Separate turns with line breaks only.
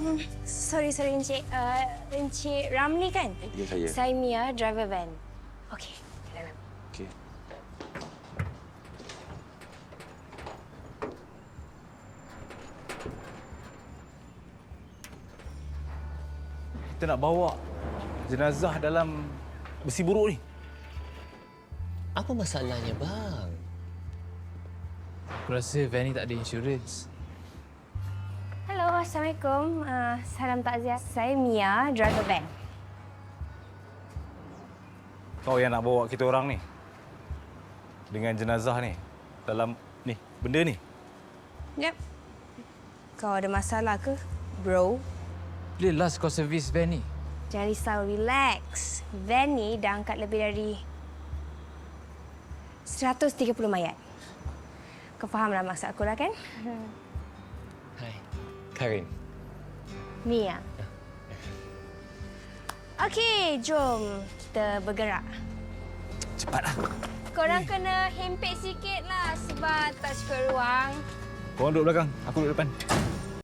Sorry, Encik. Encik Ramli kan?
Ya, saya.
Saya Mia, driver van. Okey, ke dalam.
Okey.
Kita nak bawa jenazah dalam besi buruk ni.
Apa masalahnya, bang?
Aku rasa van ni tak ada insurans.
Hello, Assalamualaikum. Salam takziah. Saya Mia, driver van.
Kau yang nak bawa kita orang ni. Dengan jenazah ni. Dalam ni, benda ni.
Yep. Kau ada masalah ke, bro?
Bila last kau servis van ni?
Jangan risau, relax. Van ni dah angkat lebih dari 130 mayat. Kau fahamlah maksud aku lah kan?
Hai, Karin.
Mia. Okey, jom kita bergerak.
Cepatlah.
Korang kena hempit sikit lah sebab tak cukup ruang.
Kau duduk belakang, aku duduk depan.